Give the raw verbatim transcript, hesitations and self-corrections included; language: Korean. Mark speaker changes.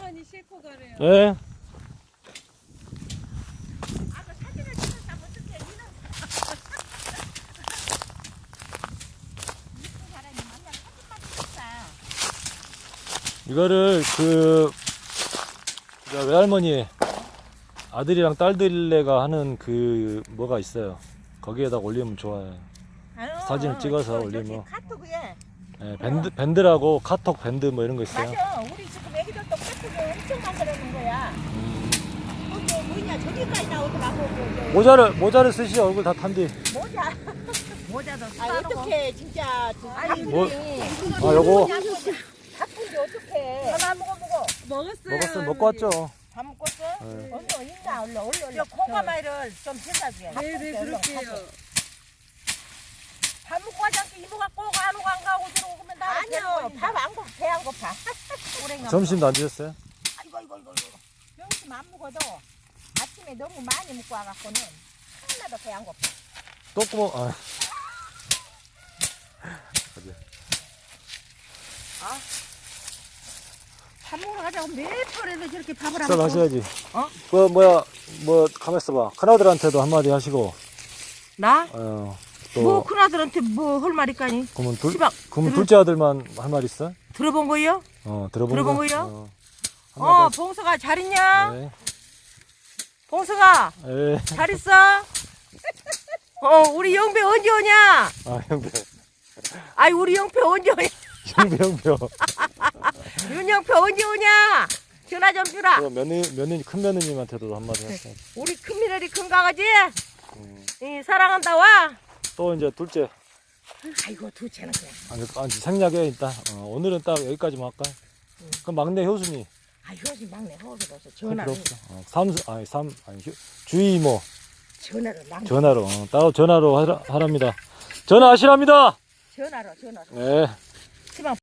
Speaker 1: 외할머니 싣고 가래요.
Speaker 2: 네.
Speaker 3: 아까 사진을 찍었다 어떻게 니는 이쁜 사람이 만나 사진만 찍었다.
Speaker 2: 이거를 그 저 외할머니 아들이랑 딸들네가 하는 그 뭐가 있어요. 거기에다 올리면 좋아요.
Speaker 3: 아유,
Speaker 2: 사진을 찍어서
Speaker 3: 저,
Speaker 2: 올리면.
Speaker 3: 저기 카톡에
Speaker 2: 네, 밴드 밴드라고 카톡 밴드 뭐 이런 거 있어요.
Speaker 3: 맞아. 우리 지금 애기들도 카톡에 엄청 만들어놓은 거야.
Speaker 2: 음.
Speaker 3: 거기 뭐냐 저기까지 나오더라고. 그, 저,
Speaker 2: 모자를 모자를 쓰시 얼굴 다 탄디.
Speaker 3: 모자.
Speaker 1: 모자도
Speaker 3: 아 어떻게 진짜
Speaker 1: 아니,
Speaker 2: 뭐?
Speaker 1: 우리
Speaker 2: 아 요거
Speaker 3: 바쁜데 어떡해. 하나 먹어 먹어.
Speaker 1: 먹었어요.
Speaker 2: 먹었어 먹고 왔죠.
Speaker 3: 다 먹었어?
Speaker 2: 네.
Speaker 3: 언니 있나 얼른 얼른 얼른. 콩가마이를 좀 해놔줘야 돼.
Speaker 1: 네네 그럴게요.
Speaker 3: 밥 먹고 하지 않게 이모가 꼭 안 오고 안 가고 들어오면 나 아니요 밥안 고파 배 안 고파.
Speaker 2: 점심도 안 드셨어요?
Speaker 3: 아이고 이거 이거 이거 점심 안 먹어도 아침에 너무 많이 먹고 와갖고는 하나도 배 안 고파.
Speaker 2: 똥구멍 아.
Speaker 3: 밥 먹으러 가자고 몇 번에도 저렇게 밥을 안
Speaker 2: 잘
Speaker 3: 먹고.
Speaker 2: 하셔야지.
Speaker 3: 어?
Speaker 2: 그 뭐야 뭐 가만 있어봐. 큰아들한테도 한마디 하시고.
Speaker 3: 나?
Speaker 2: 어, 또
Speaker 3: 뭐 큰아들한테 뭐 할 말이까니?
Speaker 2: 그러면 둘
Speaker 3: 시방
Speaker 2: 그러면
Speaker 3: 들을-
Speaker 2: 둘째 아들만 할 말 있어?
Speaker 3: 들어본 거요?
Speaker 2: 어 들어본
Speaker 3: 들어본
Speaker 2: 거?
Speaker 3: 거요?
Speaker 2: 어,
Speaker 3: 어
Speaker 2: 한마디
Speaker 3: 봉서가 잘 있냐?
Speaker 2: 네.
Speaker 3: 봉서가
Speaker 2: 예.
Speaker 3: 잘 있어? 어 우리 영배 언제 오냐?
Speaker 2: 아 형배.
Speaker 3: 아이 우리 영배 언제 오냐?
Speaker 2: 형배 형배.
Speaker 3: 윤영배 언제 오냐? 전화 좀 주라.
Speaker 2: 그 며느 며느 큰 며느님한테도 한마디 하세요.
Speaker 3: 우리 큰미래리 큰 강아지
Speaker 2: 음.
Speaker 3: 이 사랑한다 와.
Speaker 2: 또 이제 둘째
Speaker 3: 아이고 두채는 그냥.
Speaker 2: 아니, 아니 생략해 일단. 어, 오늘은 딱 여기까지만 할까?
Speaker 3: 응.
Speaker 2: 그럼 막내 효순이
Speaker 3: 아 효지 막내 허기로서
Speaker 2: 할 필요
Speaker 3: 전화를
Speaker 2: 없어. 어, 삼수 아니 삼 아니 효- 주희 이모
Speaker 3: 전화로 남
Speaker 2: 전화로 어, 따로 전화로 하라, 하랍니다. 전화하시랍니다.
Speaker 3: 전화로 전화로.
Speaker 2: 네.